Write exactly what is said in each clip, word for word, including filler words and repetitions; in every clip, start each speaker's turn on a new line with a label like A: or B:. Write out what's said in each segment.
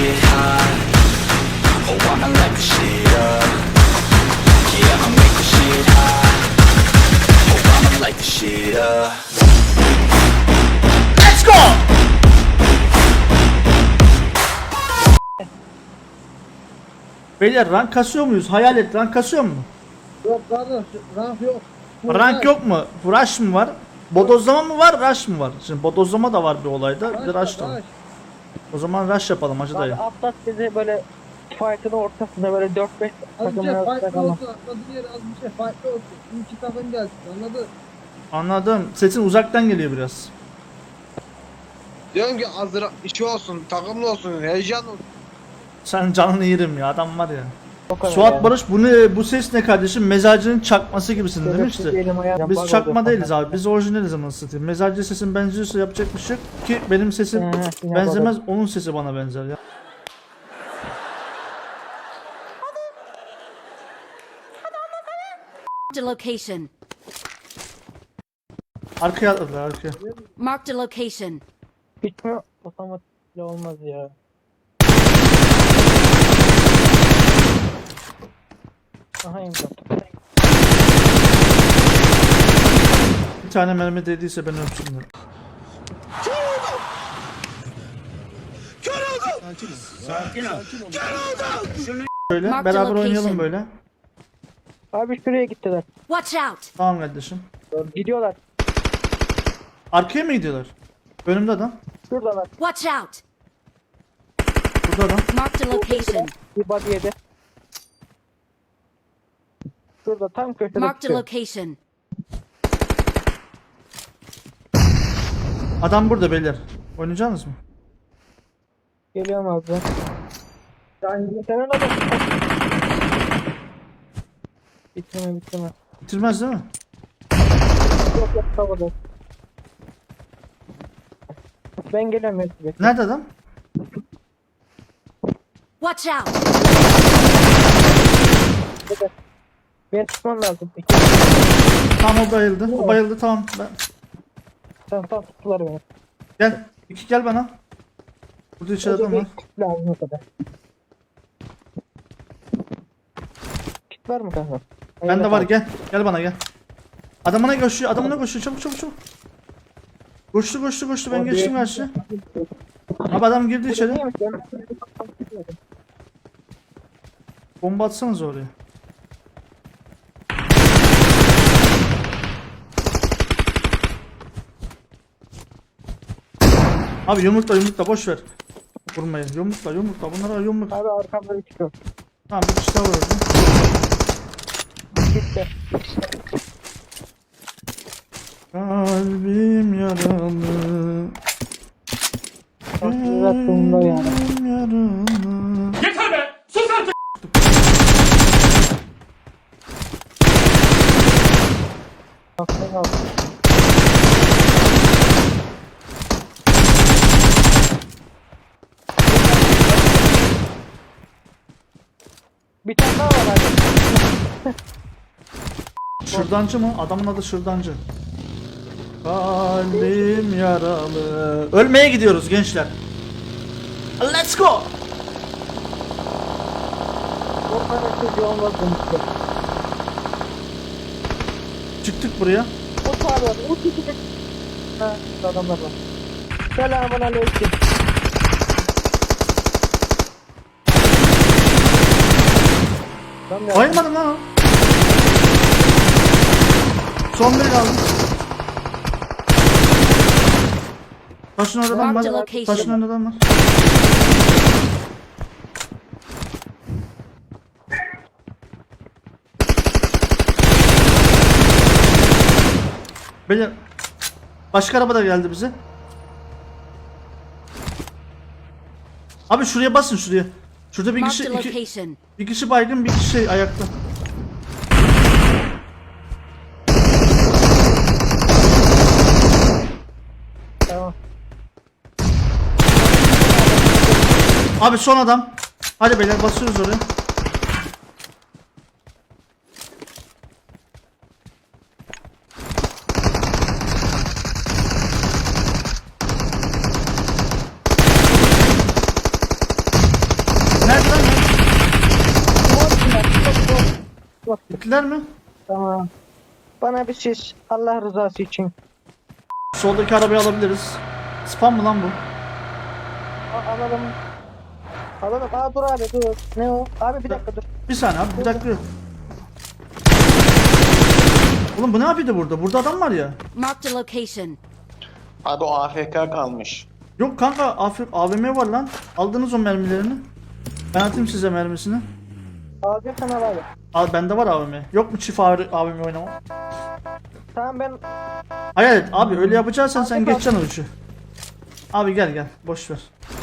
A: shit hot. Oh, I'ma light the shit up. Yeah, I'ma make the shit hot. Oh, I'ma light the shit up. Let's go!
B: Beyler rank kasıyor muyuz? Hayal et, rank kasıyor mu?
C: Yok kardeş, rank yok.
B: Rank yok mu? Rush mı var? Bodozlama mı var, rush mı var? Şimdi bodozlama da var bir olayda, bir de rush da var. O zaman rush yapalım hacı dayı.
D: Abi atlat bizi böyle fight'ın ortasında böyle dört beş
C: Az bir
D: takımın
C: şey
D: arasında
C: farklı
D: kalalım.
C: olsun, atladığın yer az bir şey farklı olsun. İki takım gelsin, anladın?
B: Anladım. Sesin uzaktan geliyor biraz.
E: Diyorum ki hazır işi olsun, takımlı olsun, heyecan olsun.
B: Sen canını yerim ya, adam var ya.
D: O kadar
B: Suat
D: yani.
B: Barış, bu ne, bu ses ne kardeşim? Mezarcının çakması gibisin
D: Şöyle
B: demişti.
D: elim ayağım
B: Biz
D: bug
B: çakma
D: oluyor.
B: değiliz abi. Biz orijinaliz ama satayım. Mezarcı sesin benziyorsa yapacak bir şey yok ki benim sesim
D: Hı, yine
B: benzemez, onun sesi bana benzer ya.
F: Marked a location.
B: Arkaya atladılar, arkaya.
F: Marked a location.
D: Bitmiyor. Otomatikle olmaz ya. Aha imza.
B: Bir tane mermi değdiyse ben öpsünler. Böyle
F: Mark the
B: beraber oynayalım
F: location.
B: böyle.
D: Abi şuraya gittiler.
F: Watch out!
B: Tamam kardeşim.
D: Gidiyorlar.
B: Arkaya mı gidiyorlar? Önümde adam.
D: Şuradalar.
F: Watch out!
B: Burada adam.
F: Marked a location.
D: Bir body yedi. Şurada tam köşede
F: Marked a
D: tutuyor.
F: location.
B: Adam burada beyler. Oynayacaksınız mı?
D: Geliyorum abi ben. Yani sen ona bak. Bitirme bitirme.
B: Bitirmez değil mi?
D: Yok yok havada. Ben geliyorum ya. Bekle.
B: Nerede adam?
F: Watch out!
D: Bekle. Beni tutman lazım. İki.
B: Tamam, o bayıldı. O bayıldı, tamam. Ben...
D: Tamam tamam tuttular beni.
B: Gel. İki gel bana. Burada içeride adam var.
D: Kit lazım o kadar. Kit var mı kanka?
B: Bende var, gel. Gel bana gel. Adamına koşuyor, adamına koşuyor. Çabuk çabuk çabuk. Koştu koştu koştu, ben geçtim karşı. Abi adam girdi içeri. Bomba atsanız oraya. Abi yumrukla yumrukla boş ver. Vurmayın. Yumrukla yumrukla, bunlara yumruk.
D: Abi arkamda çıkıyor.
B: Tamam, bir kişi daha var orada.
D: Gitti.
B: Kalbim yaralı.
D: Biraz sonunda yani.
B: Kalbim yaralı.
D: Aklına al. Bir tane daha var abi.
B: Şırdancı mı? Adamın adı Şırdancı. Kalbim yaralı. Ölmeye gidiyoruz gençler. Let's go.
D: O kadar çocuğu olmaz demişti.
B: Çıktık buraya.
D: O sağ var. O çıkacak. Ha, şurada adamlar var. Selamun aleyküm. Tam ya.
B: Bayılmadım lan o. Son bir kaldı. Taşın orada adam
F: Marked a
B: var.
F: location.
B: Taşın orada adam var. Beyler, başka araba da geldi bize. Abi şuraya basın, şuraya. Şurada bir kişi
F: Marked a
B: iki,
F: location.
B: bir kişi baygın, bir kişi şey ayakta.
D: Tamam.
B: Abi son adam. Hadi beyler, basıyoruz oraya. Bittiler mi?
D: Tamam. Bana bir şiş. Allah rızası için.
B: Soldaki arabayı alabiliriz. Spam mı lan bu?
D: A- alalım. Alalım. Aa dur abi dur. Ne o? Abi bir dakika dur.
B: Bir saniye abi bir dakika. Oğlum bu ne yapıyordu burada? Burada adam var ya.
F: Marked a location.
E: Abi o A F K kalmış.
B: Yok kanka Afrik A V M var lan. Aldınız o mermilerini. Ben atayım size mermisini.
D: Alacak sana abi.
B: Al bende var A V M. Yok mu çift A V M oynama?
D: Tamam ben
B: Hayal et abi öyle yapacaksan sen
D: Afrik
B: geçeceksin o uçu. Abi gel gel boş ver.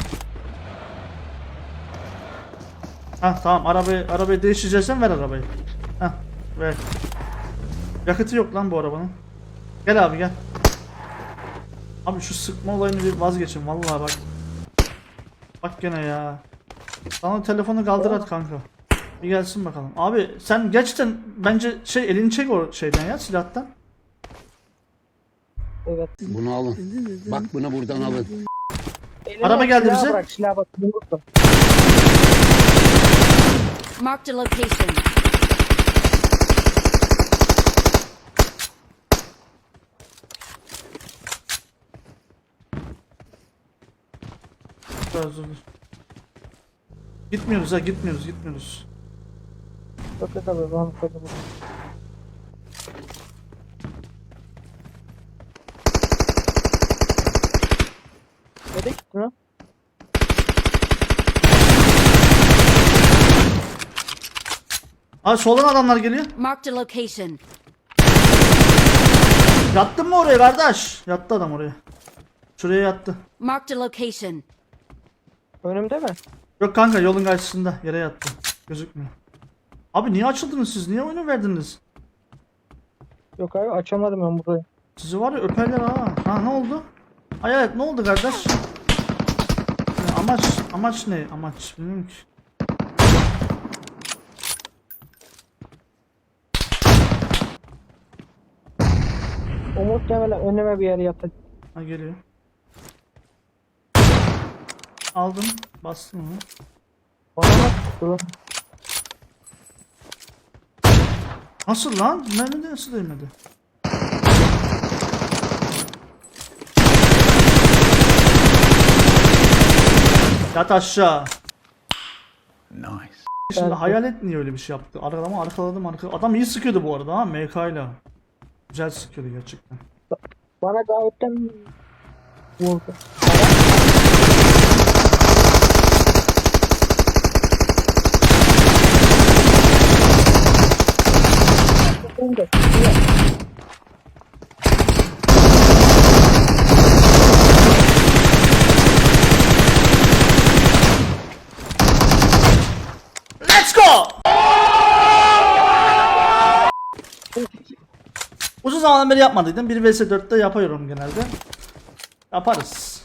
B: Ha tamam arabayı arabayı değiştireceksen ver arabayı. Ha ver. Yakıtı yok lan bu arabanın. Gel abi gel. Abi şu sıkma olayını bir vazgeçin vallahi bak. Bak gene ya. Sana telefonu kaldır at kanka. Bir gelsin bakalım. Abi sen gerçekten bence şey elini çek o şeyden ya silahtan.
D: evet.
G: Bunu alın. Bak bunu buradan alın.
D: Eline
B: Araba geldi
D: silah
B: bize.
D: Bırak silah bak. Yumrukla.
F: Marked a location.
B: Biraz dur. Gitmiyoruz ha gitmiyoruz gitmiyoruz.
D: Çok da tabii. Ben koydum. Nereye gittin lan?
B: Abi soldan adamlar geliyor.
F: Marked a location.
B: Yattın mı oraya kardeş? Yattı adam oraya. Şuraya yattı.
F: Marked a location.
D: Önümde mi?
B: Yok kanka yolun karşısında yere yattı. Gözükmüyor. Abi niye açıldınız siz? Niye oyunu verdiniz?
D: Yok abi açamadım ben burayı.
B: Sizi var ya öperler ha. Ha ne oldu? Hayalet ne oldu kardeş? Ya, amaç amaç ne? Amaç bilmiyorum ki.
D: O muhtemelen önüme bir yere yatacak.
B: Ha geliyor. Aldım. Bastım onu.
D: Bana nasıl tuttu?
B: Nasıl lan? Mermi de nasıl değmedi? Yat aşağı.
A: Nice.
B: Şimdi
D: Evet.
B: hayalet niye öyle bir şey yaptı? Arkalama arkaladım arkaladım. Adam iyi sıkıyordu bu arada ha M K ile. Güzel sıkıyordu gerçekten.
D: Bana gayetten vurdu.
B: Let's go! Uzun zamandan beri yapmadıydım. bir vs dörtte yapıyorum genelde. Yaparız.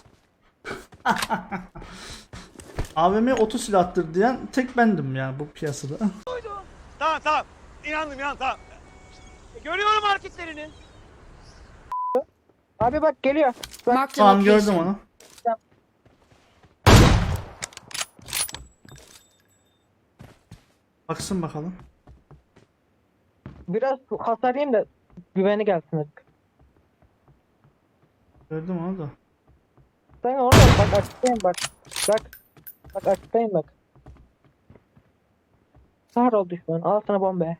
B: A V M oto silahtır diyen tek bendim ya bu piyasada.
H: Tamam tamam. İnandım inandım tamam. Görüyorum hareketlerini.
D: Abi bak geliyor. Bak
F: Marked a
B: Tamam gördüm
F: location.
B: onu. Baksın bakalım.
D: biraz hasar yiyeyim de güveni gelsin artık.
B: Gördüm onu da.
D: Sen orada bak açıktayım bak. Bak. Bak açıktayım bak. Sağır ol düşman. Al sana bombe.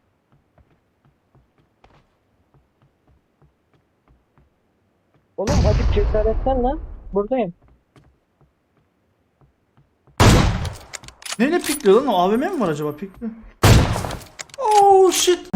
D: Oğlum acık cesaretten lan. Buradayım.
B: Neyle pikliyor lan o A V M mi var acaba pikli? Oh shit.